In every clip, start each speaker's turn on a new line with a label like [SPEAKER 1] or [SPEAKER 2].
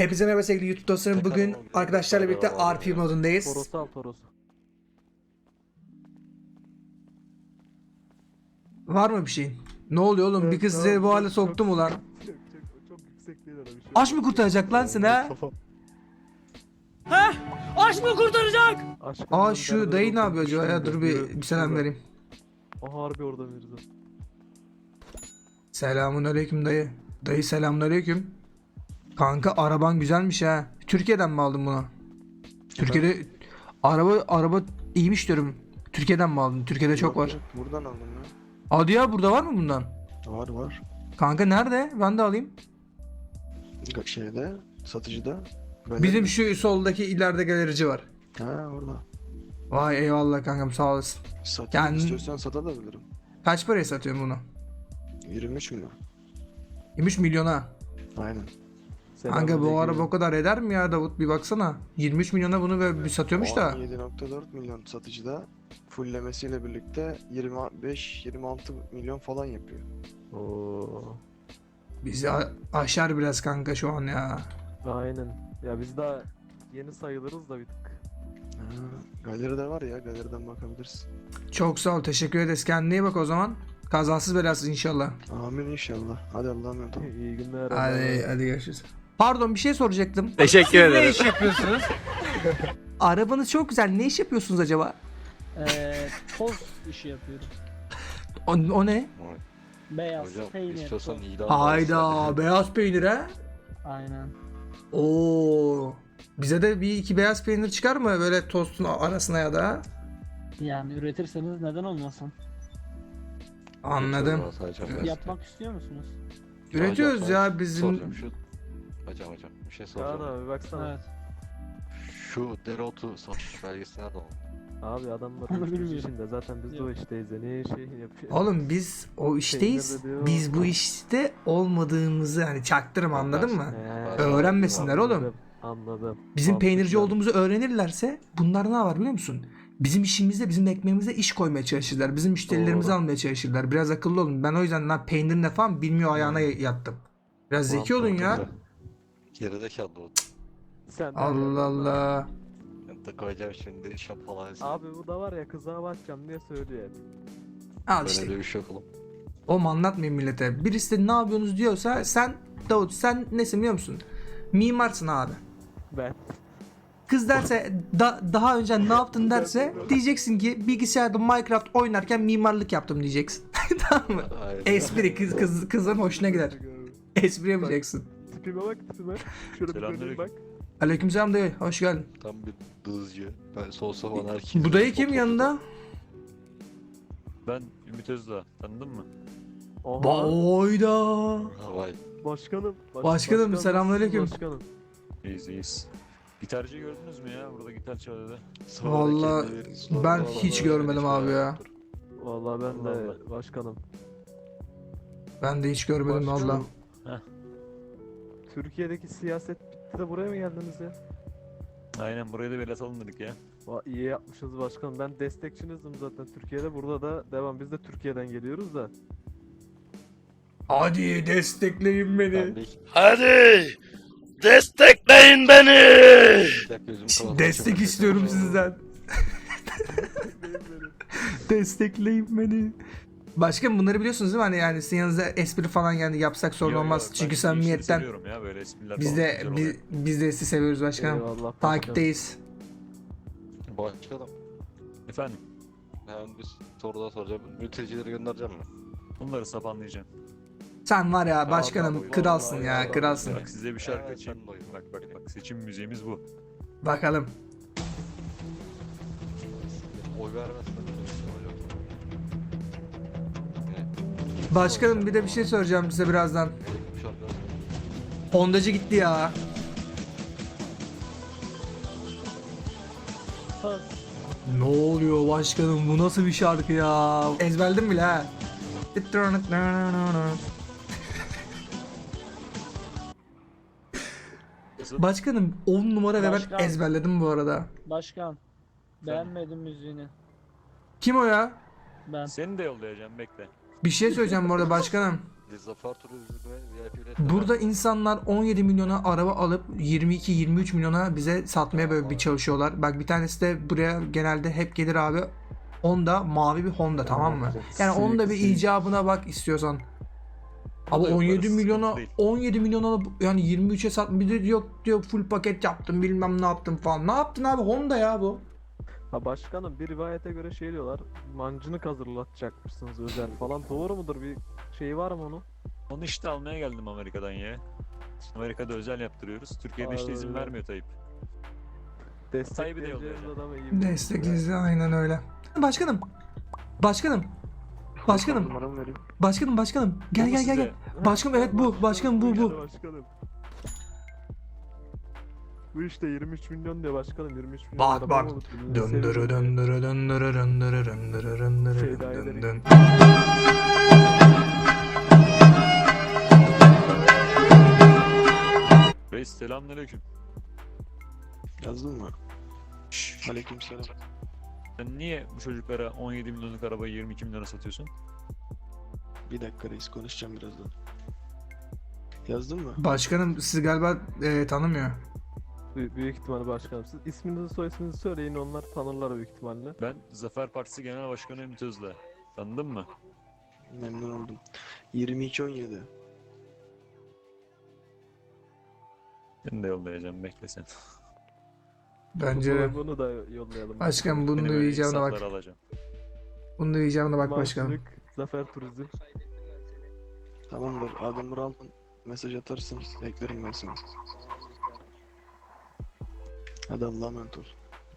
[SPEAKER 1] Hepinize merhaba sevgili YouTube dostlarım. Bugün arkadaşlarla birlikte RP modundayız.
[SPEAKER 2] Toros'u al Toros'u.
[SPEAKER 1] Var mı bir şeyin? Ne oluyor oğlum? Bir kız sizi bu hale soktu mu lan?
[SPEAKER 2] Çok yüksek değil öyle bir şey.
[SPEAKER 1] Aşk mı kurtaracak lan seni ha?
[SPEAKER 3] Aşk mı kurtaracak?
[SPEAKER 1] Aa şu dayı ne yapıyor acaba ya? Dur bir selam vereyim.
[SPEAKER 2] O harbi orada Mirza.
[SPEAKER 1] Selamun aleyküm dayı. Dayı selamun aleyküm. Kanka araban güzelmiş ha. Türkiye'den mi aldın bunu? Türkiye'de araba iyiymiş diyorum. Türkiye'den mi aldın? Türkiye'de çok var.
[SPEAKER 4] Buradan aldım ya.
[SPEAKER 1] Hadi ya, burada var mı bundan?
[SPEAKER 4] Var.
[SPEAKER 1] Kanka nerede? Ben de alayım.
[SPEAKER 4] Şeyde, satıcıda.
[SPEAKER 1] Bizim şu soldaki ileride galerici var.
[SPEAKER 4] Ha orada.
[SPEAKER 1] Vay eyvallah kankam, sağ olasın.
[SPEAKER 4] Satayım
[SPEAKER 1] Yani-
[SPEAKER 4] istiyorsan satabilirim.
[SPEAKER 1] Kaç paraya satıyorsun bunu?
[SPEAKER 4] 23 milyon.
[SPEAKER 1] 23 milyona.
[SPEAKER 4] Aynen.
[SPEAKER 1] Kanka bu araba o kadar eder mi ya Davut, bir baksana. 23 milyona bunu böyle bir satıyormuş da.
[SPEAKER 4] 7.4 milyon satıcıda. Fullemesiyle birlikte 25-26 milyon falan yapıyor.
[SPEAKER 2] Oo.
[SPEAKER 1] Bizi aşar biraz kanka şu an ya.
[SPEAKER 2] Aynen. Ya biz daha yeni sayılırız da bir tık.
[SPEAKER 4] Ha, galeride var ya, galeriden bakabilirsin.
[SPEAKER 1] Çok sağ ol, teşekkür ederiz. Kendine iyi bak o zaman. Kazasız belasız inşallah.
[SPEAKER 4] Amin inşallah. Hadi Allah'a emanet ol.
[SPEAKER 2] İyi günler.
[SPEAKER 1] Hadi görüşürüz. Pardon, bir şey soracaktım.
[SPEAKER 3] Teşekkür ederim.
[SPEAKER 1] Ne iş yapıyorsunuz? Arabanız çok güzel. Ne iş yapıyorsunuz acaba?
[SPEAKER 5] Toz işi yapıyorum.
[SPEAKER 1] O ne?
[SPEAKER 5] Beyaz,
[SPEAKER 6] Hocam
[SPEAKER 5] peynir,
[SPEAKER 6] istiyorsan
[SPEAKER 5] toz.
[SPEAKER 6] ilan
[SPEAKER 1] Hayda, beyaz peynir ha?
[SPEAKER 5] Aynen.
[SPEAKER 1] Oo. Bize de bir iki beyaz peynir çıkar mı böyle tostun arasına ya da?
[SPEAKER 5] Yani üretirseniz neden olmasın?
[SPEAKER 1] Anladım.
[SPEAKER 5] Yapmak istiyor musunuz?
[SPEAKER 1] Üretiyoruz ya bizim.
[SPEAKER 6] Soracağım şu. Hocam bir şey
[SPEAKER 2] Kaan
[SPEAKER 6] soracağım.
[SPEAKER 2] abi baksana.
[SPEAKER 5] Evet.
[SPEAKER 6] Şu dereotu satış belgesi nerede o?
[SPEAKER 2] Abi adamlar
[SPEAKER 5] Onu
[SPEAKER 2] uyuşturucu
[SPEAKER 5] bilmiyorum.
[SPEAKER 2] içinde. Zaten biz de o işteyiz. Ne şey yapıyor.
[SPEAKER 1] Oğlum biz o işteyiz.
[SPEAKER 2] Peynir de diyor.
[SPEAKER 1] Biz bu işte olmadığımızı hani çaktırma, anladın mı?
[SPEAKER 2] He,
[SPEAKER 1] Öğrenmesinler oğlum.
[SPEAKER 2] Anladım.
[SPEAKER 1] Bizim peynirci
[SPEAKER 2] Mantıklı.
[SPEAKER 1] olduğumuzu öğrenirlerse bunlar ne var biliyor musun? Bizim işimizde, bizim ekmeğimizde iş koymaya çalışırlar. Bizim müşterilerimizi
[SPEAKER 2] Doğru.
[SPEAKER 1] almaya çalışırlar. Biraz akıllı olun. Ben o yüzden lan peynir ne falan bilmiyor ayağına yattım. Biraz zeki olun ya.
[SPEAKER 6] Gerizekalı o.
[SPEAKER 2] Sen de
[SPEAKER 1] Allah Allah.
[SPEAKER 6] Ben de koyacağım şimdi şapalayı.
[SPEAKER 2] Abi bu da var ya kıza bakacağım diye söylüyor hep.
[SPEAKER 1] Al
[SPEAKER 6] Böyle
[SPEAKER 1] işte.
[SPEAKER 6] bir şey yok oğlum.
[SPEAKER 1] Oğlum anlatmayın millete. Birisi de ne yapıyorsunuz diyorsa sen Davut, sen nesin biliyor musun? Mimarsın abi.
[SPEAKER 2] Ben.
[SPEAKER 1] Kız derse daha önce ne yaptın derse diyeceksin ki bilgisayarda Minecraft oynarken mimarlık yaptım diyeceksin. Tamam mı?
[SPEAKER 6] Aynen.
[SPEAKER 1] Espri kızın hoşuna gider. Espri yapacaksın.
[SPEAKER 2] Tipime bak tipime. Şöyle bir döneyim
[SPEAKER 6] Selamünaleyküm.
[SPEAKER 2] bak.
[SPEAKER 1] Aleykümselam dayı, hoş geldin.
[SPEAKER 6] Tam bir dızcı. Ben solsa falan herkes.
[SPEAKER 1] Bu dayı kim yanında?
[SPEAKER 7] Ben Ümit Özdağ. Tanıdın mı?
[SPEAKER 2] Oha.
[SPEAKER 1] Oyda.
[SPEAKER 6] Vay.
[SPEAKER 2] Başkanım.
[SPEAKER 1] Başkanım, selamünaleyküm.
[SPEAKER 2] Başkanım.
[SPEAKER 7] İyiyiz. Gitarcıyı gördünüz mü ya? Burada gitar çalıyordu.
[SPEAKER 1] Vallahi ben hiç görmedim abi ya.
[SPEAKER 2] Vallahi ben de
[SPEAKER 7] Vallahi.
[SPEAKER 2] başkanım.
[SPEAKER 1] Ben de hiç görmedim
[SPEAKER 2] Başkanım.
[SPEAKER 1] valla.
[SPEAKER 2] Türkiye'deki siyaset bitti de buraya mı geldiniz ya?
[SPEAKER 7] Aynen, buraya da bir atalım dedik ya.
[SPEAKER 2] İyi yapmışsınız başkanım. Ben destekçinizdim zaten Türkiye'de. Burada da devam. Biz de Türkiye'den geliyoruz da.
[SPEAKER 1] Hadi destekleyin beni.
[SPEAKER 6] Ben bir
[SPEAKER 3] Hadi destekleyin beni.
[SPEAKER 6] dakika gözümü kapatıp
[SPEAKER 1] Destek
[SPEAKER 6] açıyorum.
[SPEAKER 1] istiyorum sizden. Destekleyin beni. Başkanım bunları biliyorsunuz değil mi? Hani yani sizin yanınızda espri falan yani yapsak sorun
[SPEAKER 7] Yo, yo,
[SPEAKER 1] olmaz.
[SPEAKER 7] ben
[SPEAKER 1] Çünkü
[SPEAKER 7] işleri
[SPEAKER 1] samimiyetten
[SPEAKER 7] seviyorum ya, böyle espriler
[SPEAKER 1] biz
[SPEAKER 7] falan
[SPEAKER 1] de
[SPEAKER 7] güzel oluyor.
[SPEAKER 1] biz de sizi seviyoruz başkanım.
[SPEAKER 2] Eyvallah başkanım.
[SPEAKER 1] Takipteyiz.
[SPEAKER 6] Başkanım.
[SPEAKER 7] Efendim,
[SPEAKER 6] Ben bir soru daha soracağım. Mültecileri göndereceğim mi?
[SPEAKER 7] bunları sapanlayacağım.
[SPEAKER 1] Sen var ya
[SPEAKER 6] Allah
[SPEAKER 1] başkanım
[SPEAKER 6] Allah,
[SPEAKER 1] kralsın
[SPEAKER 6] Allah
[SPEAKER 1] ya,
[SPEAKER 6] Allah.
[SPEAKER 1] kralsın.
[SPEAKER 7] Bak size bir şarkı
[SPEAKER 6] Evet,
[SPEAKER 7] açayım.
[SPEAKER 6] ben de oyum.
[SPEAKER 7] Bak seçim müziğimiz bu.
[SPEAKER 1] Bakalım.
[SPEAKER 6] Oy vermezsen hocam.
[SPEAKER 1] Başkanım bir de bir şey soracağım size birazdan.
[SPEAKER 6] Bu şarkı
[SPEAKER 1] Hondacı gitti ya.
[SPEAKER 5] Toz.
[SPEAKER 1] Ne oluyor başkanım, bu nasıl bir şarkı ya? Ezberledim bile ha.
[SPEAKER 7] Nasıl?
[SPEAKER 1] Başkanım 10 numara ve ben
[SPEAKER 5] Başkan.
[SPEAKER 1] ezberledim bu arada.
[SPEAKER 5] Başkan. Beğenmedim müziğini.
[SPEAKER 1] Kim o ya?
[SPEAKER 5] Ben.
[SPEAKER 7] Seni de yollayacağım, bekle.
[SPEAKER 1] Bir şey söyleyeceğim bu arada başkanım.
[SPEAKER 6] Zafer Turizm ve VIP'ler.
[SPEAKER 1] Burada insanlar 17 milyona araba alıp 22-23 milyona bize satmaya böyle bir çalışıyorlar. Bak bir tanesi de buraya genelde hep gelir abi. Honda, mavi bir Honda, tamam mı? Yani onun da bir icabına bak istiyorsan. Ama
[SPEAKER 7] da
[SPEAKER 1] 17
[SPEAKER 7] yaparız,
[SPEAKER 1] milyona
[SPEAKER 7] sıkıntı değil.
[SPEAKER 1] 17 milyona alıp yani 23'e sat, bir de yok diyor full paket yaptım bilmem ne yaptım falan. Ne yaptın abi, Honda ya bu.
[SPEAKER 2] Ha başkanım, bir rivayete göre şey diyorlar. Mancınık hazırlatacakmışsınız özel falan. Doğru mudur? Bir şey var mı onun?
[SPEAKER 7] Onu işte almaya geldim Amerika'dan ya. Amerika'da özel yaptırıyoruz. Türkiye'de işte izin
[SPEAKER 2] Abi.
[SPEAKER 7] vermiyor Tayyip.
[SPEAKER 2] Destekleyeceğiniz
[SPEAKER 7] yollayacağım.
[SPEAKER 2] adamı iyi biliyorsunuz
[SPEAKER 1] Destek
[SPEAKER 2] ya.
[SPEAKER 1] izle, aynen öyle. Başkanım. Başkanım. Başkanım.
[SPEAKER 4] Numaramı vereyim.
[SPEAKER 1] Başkanım. Gel
[SPEAKER 7] Bu
[SPEAKER 1] gel gel
[SPEAKER 7] size-
[SPEAKER 1] gel. Başkanım evet bu. Başkanım bu.
[SPEAKER 2] geldi başkanım. Bu işte 23 milyon diyor başkanım, 23 milyon
[SPEAKER 1] Bak,
[SPEAKER 2] araba
[SPEAKER 1] bak.
[SPEAKER 2] mı olur?
[SPEAKER 1] Döndürü döndürü döndürü döndürü döndürü döndürü
[SPEAKER 2] Şey daha
[SPEAKER 1] dön
[SPEAKER 2] ileri.
[SPEAKER 1] dön.
[SPEAKER 7] Reis selamünaleyküm.
[SPEAKER 4] Yazdın mı? Aleykümselam.
[SPEAKER 7] Sen niye bu çocuklara 17 milyonluk arabayı 22 milyona satıyorsun?
[SPEAKER 4] Bir dakika reis, konuşacağım birazdan. Yazdın mı?
[SPEAKER 1] Başkanım sizi galiba tanımıyor.
[SPEAKER 2] Büyük ihtimalle başkanım. Siz isminizi soy isminizi söyleyin, onlar tanırlar büyük ihtimalle.
[SPEAKER 7] Ben Zafer Partisi Genel Başkanı Ümit Özdağ. Tanıdın mı?
[SPEAKER 4] Memnun oldum. 22-17.
[SPEAKER 7] Ben de yollayacağım, bekle sen.
[SPEAKER 1] Bence de.
[SPEAKER 2] Bunu da yollayalım.
[SPEAKER 1] Başkanım bunu
[SPEAKER 7] Benim
[SPEAKER 1] da
[SPEAKER 7] öyle
[SPEAKER 1] icabına bak.
[SPEAKER 7] insafları alacağım.
[SPEAKER 1] Bunu da icabına bak başkanım.
[SPEAKER 2] Mancınık, Zafer Turizm.
[SPEAKER 4] Tamamdır. Adamı al. Mesaj atarsın. Eklerim ben seni. Hadi Allah'a emanet ol.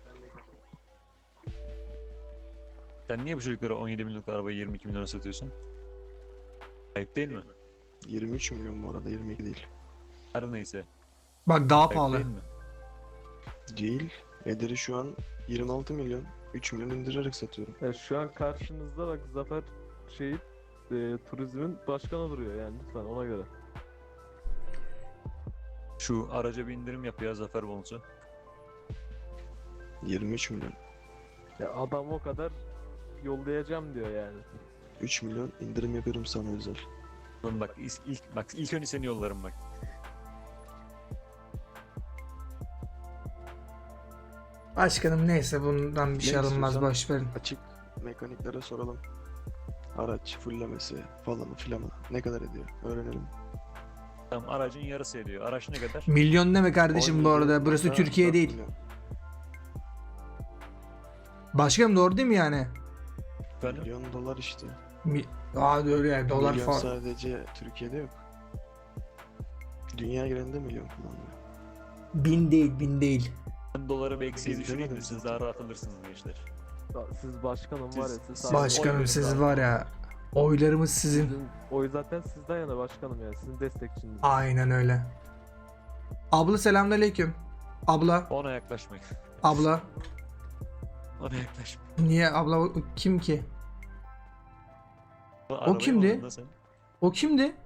[SPEAKER 7] Sen niye bu çocuklara 17 milyonluk arabayı 22 milyona satıyorsun? Ayıp değil mi?
[SPEAKER 4] 23 milyon bu arada, 22 değil.
[SPEAKER 7] Her neyse.
[SPEAKER 1] Bak daha
[SPEAKER 7] Ayıp
[SPEAKER 1] pahalı.
[SPEAKER 7] değil mi?
[SPEAKER 4] Değil. Ederi şu an 26 milyon. 3 milyon indirerek satıyorum.
[SPEAKER 2] Yani şu an karşınızda bak Zafer Turizm'in başkanı duruyor yani, lütfen ona göre.
[SPEAKER 7] Şu araca bir indirim yap ya Zafer bonusu.
[SPEAKER 4] 23 milyon.
[SPEAKER 2] Ya adam o kadar yollayacağım diyor yani.
[SPEAKER 4] 3 milyon indirim yapıyorum sana özel.
[SPEAKER 7] Oğlum bak ilk önce seni yollarım bak.
[SPEAKER 1] Başkanım neyse bundan bir şey
[SPEAKER 4] Ne
[SPEAKER 1] alınmaz,
[SPEAKER 4] istiyorsan-
[SPEAKER 1] boş verin.
[SPEAKER 4] Açık mekaniklere soralım. Araç fullemesi falanı filanı ne kadar ediyor öğrenelim.
[SPEAKER 7] Tamam, aracın yarısı ediyor. Araç ne kadar?
[SPEAKER 1] Milyon deme kardeşim bu
[SPEAKER 4] 17
[SPEAKER 1] arada. Burası
[SPEAKER 4] nokta
[SPEAKER 1] Türkiye
[SPEAKER 4] 4
[SPEAKER 1] değil.
[SPEAKER 4] milyon.
[SPEAKER 1] Başkanım doğru değil mi yani?
[SPEAKER 7] Efendim?
[SPEAKER 4] Milyon dolar işte.
[SPEAKER 1] Aa öyle yani dolar
[SPEAKER 4] Milyon
[SPEAKER 1] falan.
[SPEAKER 4] sadece Türkiye'de yok. Dünya genelinde milyon kullanılıyor.
[SPEAKER 1] Bin değil.
[SPEAKER 7] Ben doları bir eksiği
[SPEAKER 4] Biz
[SPEAKER 7] düşüreyim de
[SPEAKER 4] demedim
[SPEAKER 7] siz
[SPEAKER 4] zaten.
[SPEAKER 7] daha rahat alırsınız gençler.
[SPEAKER 2] Ya siz başkanım var ya,
[SPEAKER 7] Siz-
[SPEAKER 2] siz
[SPEAKER 1] Başkanım
[SPEAKER 2] oy
[SPEAKER 1] siz
[SPEAKER 2] verin
[SPEAKER 1] var
[SPEAKER 2] abi.
[SPEAKER 1] ya. Oylarımız sizin.
[SPEAKER 2] Sizin oy zaten sizden yana başkanım yani, sizin destekçiniz.
[SPEAKER 1] Aynen öyle. Abla selamünaleyküm. Abla,
[SPEAKER 7] Ona yaklaşmayın.
[SPEAKER 1] abla.
[SPEAKER 7] Ona yaklaşmayın.
[SPEAKER 1] Niye abla, o kim ki?
[SPEAKER 7] Arabayı
[SPEAKER 1] kimdi?
[SPEAKER 7] aldın da sen.
[SPEAKER 1] O kimdi?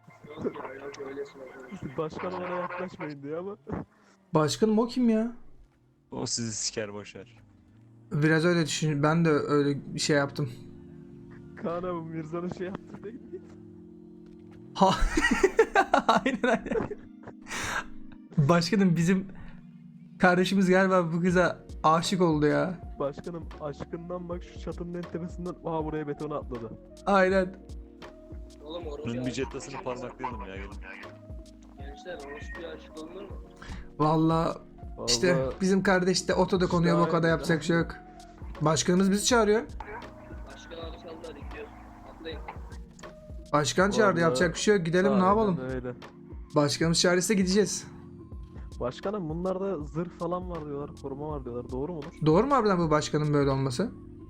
[SPEAKER 2] Başkanım ona yaklaşmayın diyor ama.
[SPEAKER 1] Başkanım o kim ya?
[SPEAKER 7] O sizi siker boşver.
[SPEAKER 1] Biraz öyle düşün. Ben de öyle bir şey yaptım.
[SPEAKER 2] Kaan abi Mirza'nın şey yaptı değil mi?
[SPEAKER 1] Ha. aynen. Başkanım bizim kardeşimiz galiba bu kıza aşık oldu ya.
[SPEAKER 2] Başkanım aşkından bak şu çatının en tepesinden buraya betona atladı.
[SPEAKER 1] Aynen.
[SPEAKER 7] Bunun bir jettasını parmaklayalım ya gelin.
[SPEAKER 8] Gençler orospuya aşık olunur mu?
[SPEAKER 1] Vallahi işte
[SPEAKER 2] Vallahi
[SPEAKER 1] bizim kardeş de otoda konuyor, bu
[SPEAKER 2] aynen.
[SPEAKER 1] kadar yapacak bir şey yok. Başkanımız bizi çağırıyor.
[SPEAKER 8] Başkan abi çaldı, hadi gidiyoruz. Atlayın.
[SPEAKER 1] Başkan çağırdı,
[SPEAKER 2] Vallahi
[SPEAKER 1] yapacak bir şey yok. Gidelim, ne
[SPEAKER 2] aynen
[SPEAKER 1] yapalım?
[SPEAKER 2] öyle.
[SPEAKER 1] Başkanımız çağırırsa gideceğiz.
[SPEAKER 2] Başkanım bunlarda zırh falan var diyorlar, koruma var diyorlar. Doğru mudur?
[SPEAKER 1] Doğru mu harbiden bu başkanın böyle olması?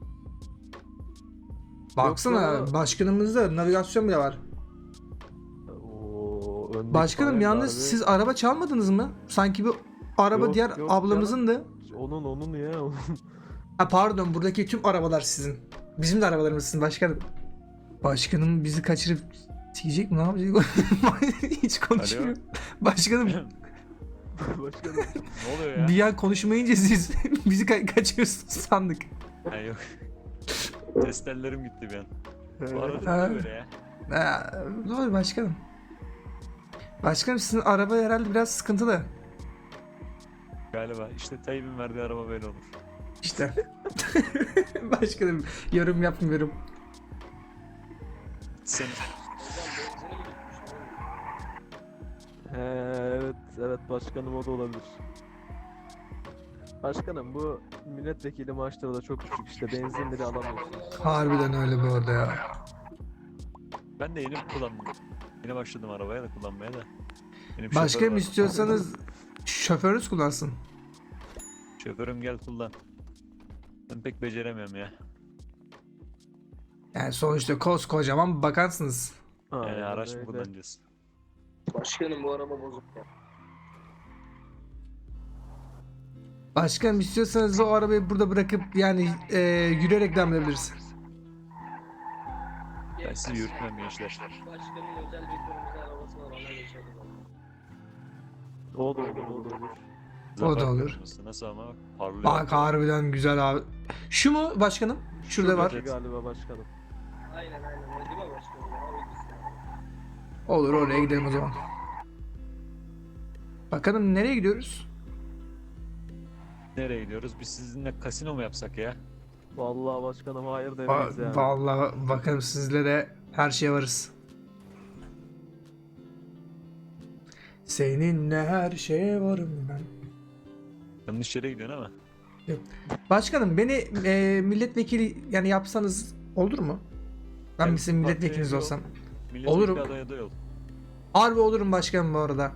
[SPEAKER 1] Baksana
[SPEAKER 2] ya.
[SPEAKER 1] başkanımızda navigasyon bile var.
[SPEAKER 2] Oo, öndeki
[SPEAKER 1] Başkanım
[SPEAKER 2] bayan
[SPEAKER 1] yalnız
[SPEAKER 2] darbe-
[SPEAKER 1] siz araba çalmadınız mı? Sanki bu araba
[SPEAKER 2] Yok,
[SPEAKER 1] diğer
[SPEAKER 2] yok
[SPEAKER 1] ablamızındı.
[SPEAKER 2] Onun ya.
[SPEAKER 1] Ha pardon, buradaki tüm arabalar sizin. Bizim de arabalarımız sizin başkanım. Başkanım bizi kaçırıp sikecek mi, ne yapacak? Hiç konuşmuyor. Başkanım
[SPEAKER 2] Başkanım.
[SPEAKER 7] Ne oluyor ya?
[SPEAKER 1] bir an konuşmayınca siz bizi kaçırıyorsunuz sandık.
[SPEAKER 7] Ha yok. Testellerim gitti bir an. Bu
[SPEAKER 2] Evet.
[SPEAKER 7] arada
[SPEAKER 1] Ha.
[SPEAKER 7] ne böyle ya?
[SPEAKER 1] Doğru başkanım. Başkanım sizin araba herhalde biraz sıkıntılı.
[SPEAKER 7] Galiba işte Tayyip'in verdiği araba böyle olur.
[SPEAKER 1] İşte. Başkanım yorum yapmıyorum.
[SPEAKER 7] Sen
[SPEAKER 2] Evet, evet başkanım o da olabilir. Başkanım bu milletvekili maaşları da çok düşük işte benzin bile alamıyorsunuz.
[SPEAKER 1] Harbiden öyle bu arada ya.
[SPEAKER 7] ben de yeni kullandım. Yeni başladım arabaya da kullanmaya da. Benim
[SPEAKER 1] Başkanım
[SPEAKER 7] şoförüm var.
[SPEAKER 1] istiyorsanız şoförünüz kullansın.
[SPEAKER 7] Şoförüm gel kullan. Ben pek beceremiyorum ya.
[SPEAKER 1] Yani sonuçta koskocaman bakansınız.
[SPEAKER 7] Yani
[SPEAKER 2] Aynen
[SPEAKER 7] araç mı
[SPEAKER 2] öyle.
[SPEAKER 7] kullanacağız?
[SPEAKER 8] Başkanım bu araba bozuk ya.
[SPEAKER 1] Başkanım istiyorsanız o arabayı burada bırakıp yani yürüyerek devam edebiliriz.
[SPEAKER 7] Ben sizi yürütmem gençler.
[SPEAKER 8] Başkanın özel bir kırmızı arabası var ona geçelim.
[SPEAKER 2] O da olur, o da olur.
[SPEAKER 7] Zafer
[SPEAKER 1] olur.
[SPEAKER 7] kırmızısı. Nasıl ama bak parlıyor.
[SPEAKER 1] Bak harbiden güzel abi. Şu mu başkanım? Şurada var.
[SPEAKER 2] Şuradaki galiba başkanım.
[SPEAKER 8] Aynen aynen öyle değil mi başkanım? Ya, o ikisi.
[SPEAKER 1] Olur oraya gidelim o zaman. Bakalım nereye gidiyoruz?
[SPEAKER 7] Nereye gidiyoruz? Biz sizinle kasino mu yapsak ya?
[SPEAKER 2] Vallahi başkanım hayır demeyiz yani.
[SPEAKER 1] Vallahi bakalım sizle de her şeye varız. Seninle her şeye varım ben.
[SPEAKER 7] Yanlış yere gidiyorsun ama.
[SPEAKER 1] Başkanım beni milletvekili yani yapsanız olur mu? Ben
[SPEAKER 7] Evet,
[SPEAKER 1] sizin milletvekiliniz
[SPEAKER 2] partiye
[SPEAKER 1] olsam.
[SPEAKER 7] Milletvekili
[SPEAKER 1] Olurum.
[SPEAKER 7] adayı aday ol.
[SPEAKER 1] Harbi olurum başkanım bu arada.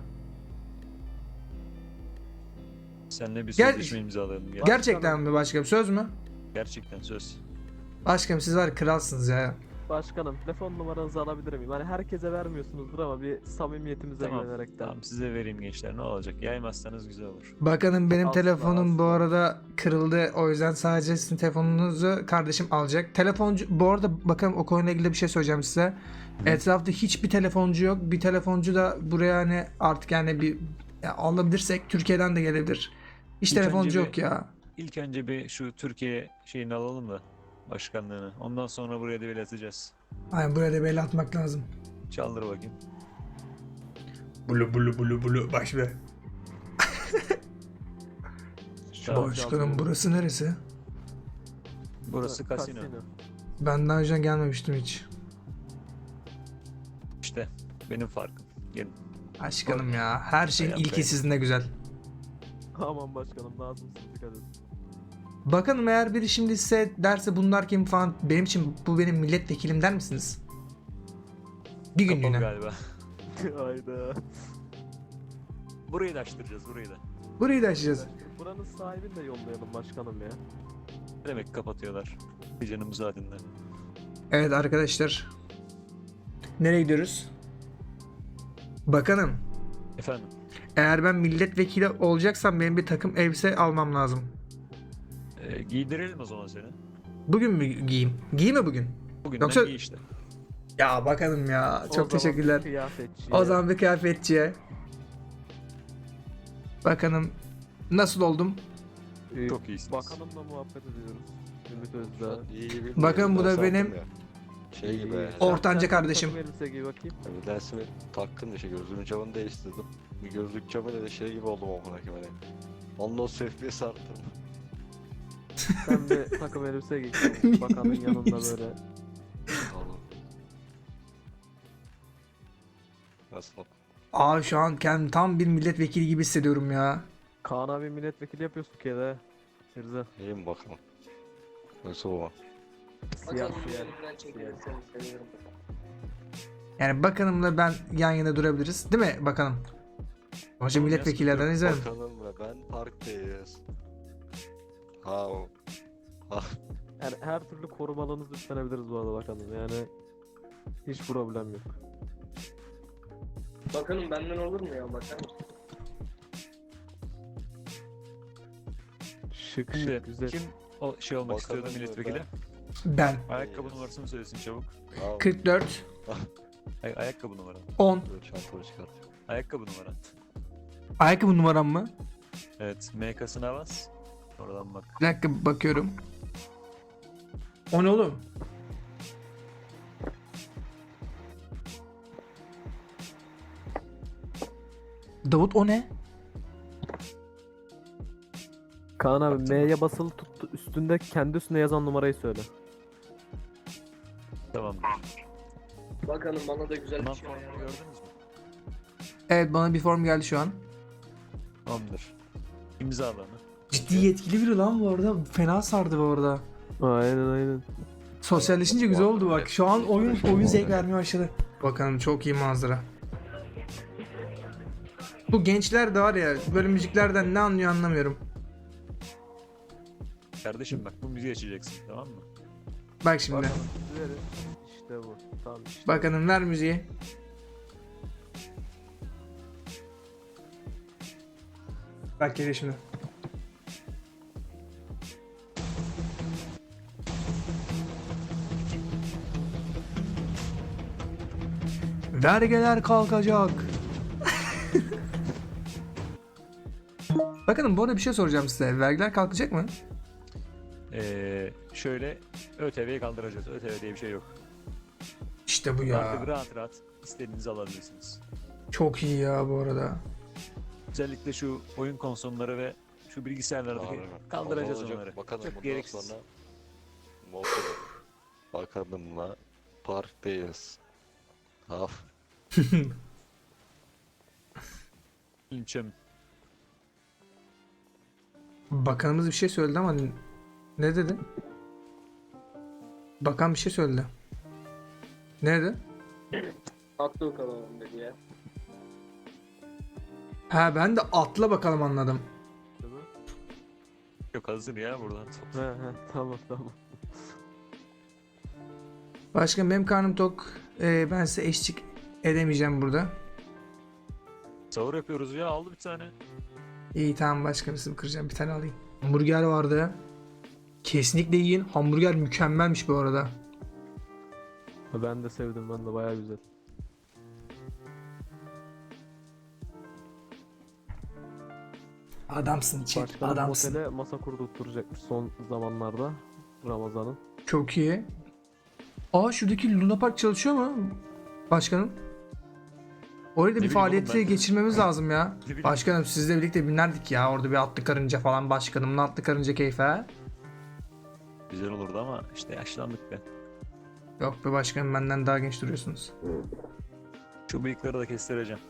[SPEAKER 7] Seninle bir
[SPEAKER 1] Gel-
[SPEAKER 7] sözleşme imzalayalım. Gel.
[SPEAKER 1] Gerçekten mi başkanım? Söz mü?
[SPEAKER 7] Gerçekten söz.
[SPEAKER 1] Başkanım siz var kralsınız ya.
[SPEAKER 2] Başkanım telefon numaranızı alabilir miyim? Hani herkese vermiyorsunuzdur ama bir samimiyetimize
[SPEAKER 7] Tamam.
[SPEAKER 2] güvenerekten.
[SPEAKER 7] Tamam size vereyim gençler ne olacak? Yaymazsanız güzel olur.
[SPEAKER 1] Bakanım benim
[SPEAKER 2] Asla,
[SPEAKER 1] telefonum bu
[SPEAKER 2] asla.
[SPEAKER 1] arada kırıldı. O yüzden sadece sizin telefonunuzu kardeşim alacak. Telefoncu bu arada bakın o konuyla ilgili bir şey söyleyeceğim size. Etrafta hiçbir telefoncu yok. Bir telefoncu da buraya hani artık yani bir ya alabilirsek Türkiye'den de gelebilir. Hiç
[SPEAKER 7] İlk
[SPEAKER 1] telefoncu
[SPEAKER 7] önce
[SPEAKER 1] yok ya.
[SPEAKER 7] İlk önce bir şu Türkiye şeyini alalım da başkanlığını. Ondan sonra buraya da atacağız.
[SPEAKER 1] Aynen buraya da belli atmak lazım.
[SPEAKER 7] Çaldır bakayım.
[SPEAKER 1] Bulu bulu bulu bulu baş be.
[SPEAKER 7] Tamam.
[SPEAKER 1] Başkanım burası neresi?
[SPEAKER 7] Burası kasino.
[SPEAKER 1] Ben daha önce gelmemiştim hiç.
[SPEAKER 7] İşte benim farkım. Gelin.
[SPEAKER 1] Başkanım ya her şeyin
[SPEAKER 7] Yap
[SPEAKER 1] ilki
[SPEAKER 7] be.
[SPEAKER 1] sizinde güzel.
[SPEAKER 2] Aman başkanım lazımsınız dikkat edin.
[SPEAKER 1] Bakalım eğer biri şimdi size derse bunlar kim falan benim için bu benim milletvekilim der misiniz? Bir
[SPEAKER 7] Kapalı
[SPEAKER 1] günlüğüne.
[SPEAKER 7] galiba.
[SPEAKER 2] Hayda.
[SPEAKER 7] Burayı da açtıracağız burayı da.
[SPEAKER 1] Burayı da açacağız.
[SPEAKER 2] Buranın sahibini de yollayalım başkanım ya.
[SPEAKER 7] Ne demek kapatıyorlar? Bir canım müsaadenle.
[SPEAKER 1] Evet arkadaşlar. Nereye gidiyoruz? Bakanım.
[SPEAKER 7] Efendim.
[SPEAKER 1] Eğer ben milletvekili olacaksam benim bir takım elbise almam lazım.
[SPEAKER 7] Giydirelim o zaman seni.
[SPEAKER 1] Bugün mü giyeyim? Giyeyim mi bugün?
[SPEAKER 7] Bugünden
[SPEAKER 1] Yoksa-
[SPEAKER 7] giy işte.
[SPEAKER 1] Ya bakanım ya.
[SPEAKER 2] O
[SPEAKER 1] Çok
[SPEAKER 2] zaman
[SPEAKER 1] teşekkürler.
[SPEAKER 2] bir kıyafetçi
[SPEAKER 1] O
[SPEAKER 2] ya.
[SPEAKER 1] zaman bir kıyafetçiye. Bakanım nasıl oldum?
[SPEAKER 7] Çok iyisiniz.
[SPEAKER 2] Bakanımla muhabbet ediyoruz. Ümit Özdağ.
[SPEAKER 6] İyi gibi.
[SPEAKER 1] Bakın bu da
[SPEAKER 6] Ders
[SPEAKER 1] benim-
[SPEAKER 6] aldım ya. Şey gibi.
[SPEAKER 2] İyi.
[SPEAKER 1] Ortanca
[SPEAKER 2] Sen
[SPEAKER 1] kardeşim.
[SPEAKER 2] takım elbise giy bakayım.
[SPEAKER 6] Bir dersimi taktım da şey gözlüğümün camını değiştirdim. Bir gözlük camıyla da şey gibi oldum amına koyayım hani. Ondan sonra FPS arttım.
[SPEAKER 2] Sen bir takım elbise giy. Bakanın yanında böyle.
[SPEAKER 6] Oğlum. Nasıl?
[SPEAKER 1] Aa şu an kendimi tam bir milletvekili gibi hissediyorum ya.
[SPEAKER 2] Kaan abi milletvekili yapıyorsun Türkiye'de. Firza.
[SPEAKER 6] İyi mi bakalım? Nasıl o?
[SPEAKER 2] Siyah
[SPEAKER 8] Bakalım
[SPEAKER 2] siyah.
[SPEAKER 8] üzerinden çekilirseniz sevinirim.
[SPEAKER 1] Yani bakanımla ben yan yana durabiliriz. Değil mi bakanım? Hoca
[SPEAKER 7] Tamam,
[SPEAKER 1] milletvekillerden izlerim.
[SPEAKER 6] Bakanımla ben parktayız. Ha o. Ha.
[SPEAKER 2] Yani her türlü korumalığınızı üstlenebiliriz bu arada bakanım. Yani hiç problem yok.
[SPEAKER 8] Bakanım benden olur mu ya bakar mısın?
[SPEAKER 2] Şık
[SPEAKER 7] Şimdi
[SPEAKER 2] şık güzel.
[SPEAKER 7] kim o şey olmak
[SPEAKER 6] Bakalım
[SPEAKER 7] istiyordu milletvekili?
[SPEAKER 1] Ben.
[SPEAKER 7] Ayakkabı numarasını söylesin çabuk.
[SPEAKER 6] Ha,
[SPEAKER 1] 44
[SPEAKER 7] Ayakkabı numaran.
[SPEAKER 1] 10.
[SPEAKER 6] böyle çantamı çıkartıyor.
[SPEAKER 7] Ayakkabı numaran.
[SPEAKER 1] Ayakkabı numaram mı?
[SPEAKER 7] Evet. MK'sına bas. Oradan bak.
[SPEAKER 1] Bir dakika bakıyorum. O ne oğlum? Davut o ne?
[SPEAKER 2] Kaan abi M'ye basılı tut, üstünde kendi üstüne yazan numarayı söyle.
[SPEAKER 7] Tamamdır.
[SPEAKER 8] Bakalım bana da güzel
[SPEAKER 7] Bundan
[SPEAKER 8] bir şey
[SPEAKER 7] sonra
[SPEAKER 8] ayarla.
[SPEAKER 7] gördünüz mü?
[SPEAKER 1] Evet, bana bir form geldi şu an.
[SPEAKER 7] Tamamdır. İmza alanı.
[SPEAKER 1] Ciddi yetkili biri lan bu arada. Fena sardı bu arada.
[SPEAKER 2] Aynen.
[SPEAKER 1] Sosyalleşince güzel oldu bak. Şu an oyun zevk vermeye başladı. Bakalım, çok iyi manzara. Bu gençler de var ya, böyle müziklerden ne anlıyor anlamıyorum.
[SPEAKER 7] Kardeşim bak bu müziği açacaksın, tamam mı?
[SPEAKER 1] Bak şimdi.
[SPEAKER 2] Bakalım verin. İşte bu. Tamam işte.
[SPEAKER 1] Bakalım, ver müziği. Bak geliyor şimdi. Vergiler kalkacak. Bakın bu arada bir şey soracağım size. Vergiler kalkacak mı?
[SPEAKER 7] Şöyle ÖTV'yi kaldıracağız. ÖTV diye bir şey yok.
[SPEAKER 1] İşte bu
[SPEAKER 7] Artık
[SPEAKER 1] ya.
[SPEAKER 7] rahat rahat istediğinizi alabilirsiniz.
[SPEAKER 1] Çok iyi ya bu arada.
[SPEAKER 7] Özellikle şu oyun konsolları ve şu bilgisayarlardaki
[SPEAKER 6] Abi,
[SPEAKER 7] kaldıracağız
[SPEAKER 6] olacak.
[SPEAKER 7] onları.
[SPEAKER 6] Bakalım
[SPEAKER 7] Çok
[SPEAKER 6] bundan
[SPEAKER 7] gereksiz.
[SPEAKER 6] sonra motoru bakanımla parktayız. Haf.
[SPEAKER 7] Linçem.
[SPEAKER 1] Bakanımız bir şey söyledi ama ne dedi? Bakan bir şey söyledi. Ne dedi?
[SPEAKER 8] Atlı kalalım dedi ya.
[SPEAKER 1] Ha, ben de atla bakalım anladım.
[SPEAKER 7] Yok hazır ya buradan.
[SPEAKER 2] He tamam.
[SPEAKER 1] Başkan, benim karnım tok. Ben size eşlik edemeyeceğim burada.
[SPEAKER 7] Sahur yapıyoruz ya, aldı bir tane.
[SPEAKER 1] İyi tamam başkanım, sizi kıracağım, bir tane alayım. Hamburger vardı. Kesinlikle yiyin. Hamburger mükemmelmiş bu arada.
[SPEAKER 2] Ben de sevdim, ben de bayağı güzel.
[SPEAKER 1] Adamsın Çek,
[SPEAKER 2] Başkanım
[SPEAKER 1] adamsın.
[SPEAKER 2] otele masa kurdurtturacakmış son zamanlarda. Ramazan'ın.
[SPEAKER 1] Çok iyi. Aa, şuradaki Luna Park çalışıyor mu? Başkanım. Orayı da bir
[SPEAKER 7] Ne bileyim oğlum,
[SPEAKER 1] faaliyete
[SPEAKER 7] ben de-
[SPEAKER 1] geçirmemiz lazım ya.
[SPEAKER 7] Ne bileyim.
[SPEAKER 1] Başkanım, sizle birlikte binerdik ya. Orada bir atlı karınca falan, başkanımla atlı karınca keyfi ha.
[SPEAKER 7] Güzel olurdu ama işte yaşlandık be.
[SPEAKER 1] Yok be başkanım, benden daha genç duruyorsunuz.
[SPEAKER 7] Şu bıyıkları da kestireceğim.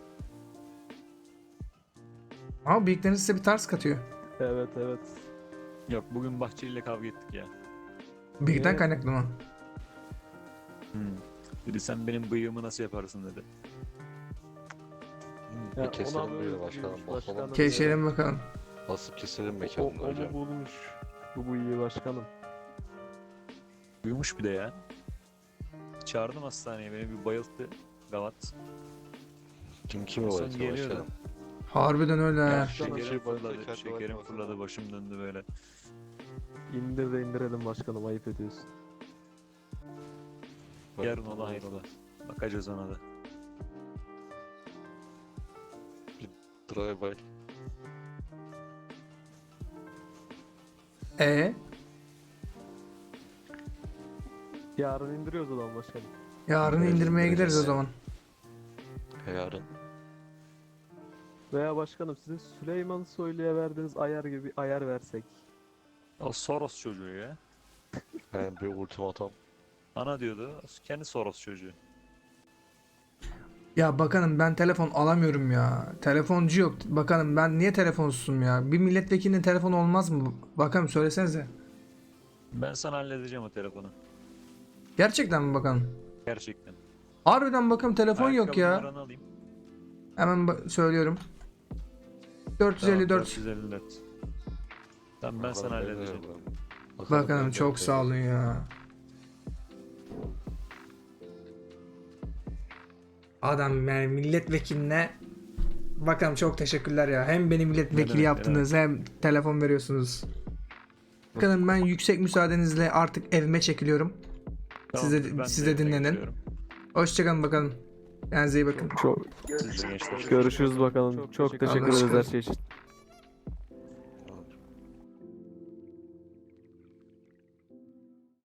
[SPEAKER 1] Ama bıyıklarınız size bir tarz katıyor.
[SPEAKER 2] Evet.
[SPEAKER 7] Yok bugün Bahçeli ile kavga ettik ya.
[SPEAKER 1] Bıyıktan
[SPEAKER 2] Niye?
[SPEAKER 1] kaynaklı mı?
[SPEAKER 7] Dedi sen benim bıyığımı nasıl yaparsın dedi.
[SPEAKER 2] Ya,
[SPEAKER 6] Keselim
[SPEAKER 2] ona
[SPEAKER 6] böyle
[SPEAKER 2] böyle
[SPEAKER 6] başkanım.
[SPEAKER 2] büyümüş
[SPEAKER 6] Basalım.
[SPEAKER 2] başkanım.
[SPEAKER 1] Keşfedelim bakalım.
[SPEAKER 6] Basıp keselim
[SPEAKER 2] O
[SPEAKER 6] mekanını hocam.
[SPEAKER 2] mu bulmuş? Bu iyi başkanım.
[SPEAKER 7] Uyumuş bir de ya. Çağırdım hastaneye, beni bir bayılttı. Gavat.
[SPEAKER 6] Kim
[SPEAKER 7] Son
[SPEAKER 6] var
[SPEAKER 7] geliyor da.
[SPEAKER 6] başkanım?
[SPEAKER 1] Harbiden öyle ha.
[SPEAKER 2] Başkanım,
[SPEAKER 7] Şekerim fırladı,
[SPEAKER 6] kendi
[SPEAKER 7] şekerim
[SPEAKER 6] başına.
[SPEAKER 7] fırladı, başım döndü böyle.
[SPEAKER 2] İndir de indirelim başkanım, ayıp ediyorsun.
[SPEAKER 7] Yarın ola hayrola. Bakacağız ona da.
[SPEAKER 6] Drive by.
[SPEAKER 2] Yarın indiriyoruz o zaman başkanım.
[SPEAKER 1] Yarın
[SPEAKER 6] Evet,
[SPEAKER 1] indirmeye gideriz o
[SPEAKER 6] evet.
[SPEAKER 1] zaman.
[SPEAKER 6] Yarın.
[SPEAKER 2] Veya başkanım sizin Süleyman Soylu'ya verdiğiniz ayar gibi bir ayar versek.
[SPEAKER 7] O Soros çocuğu ya.
[SPEAKER 6] Ben bir ultimatom.
[SPEAKER 7] Ana diyordu, kendi Soros çocuğu.
[SPEAKER 1] Ya bakanım, ben telefon alamıyorum ya. Telefoncu yok. Bakanım, ben niye telefonsuzum ya? Bir milletvekilinin telefonu olmaz mı? Bakanım, söylesenize.
[SPEAKER 7] Ben sana halledeceğim o telefonu.
[SPEAKER 1] Gerçekten mi bakanım?
[SPEAKER 7] Gerçekten.
[SPEAKER 1] Harbiden bakanım, telefon yok
[SPEAKER 7] Ayakkabı
[SPEAKER 1] ya.
[SPEAKER 7] numaranı alayım.
[SPEAKER 1] Hemen söylüyorum.
[SPEAKER 7] Tamam,
[SPEAKER 1] 454.
[SPEAKER 7] 454. Tamam ben sana halledeceğim.
[SPEAKER 1] Bakanım çok sağ olun ya. Adam yani milletvekiline, bakalım çok teşekkürler ya. Hem beni milletvekili
[SPEAKER 7] demek, ne
[SPEAKER 1] yaptınız hem telefon veriyorsunuz. Bakalım, ben yüksek müsaadenizle artık evime çekiliyorum.
[SPEAKER 7] Tamamdır, ben
[SPEAKER 1] siz
[SPEAKER 7] de
[SPEAKER 1] de
[SPEAKER 7] evime
[SPEAKER 1] dinlenin.
[SPEAKER 7] geçiyorum.
[SPEAKER 1] Hoşçakalın bakalım. Kendinize iyi bakın.
[SPEAKER 2] Çok
[SPEAKER 7] Siz de gençler.
[SPEAKER 2] görüşürüz bakalım. Çok
[SPEAKER 1] teşekkür
[SPEAKER 2] teşekkür ederiz her
[SPEAKER 1] ederiz.
[SPEAKER 2] şey için.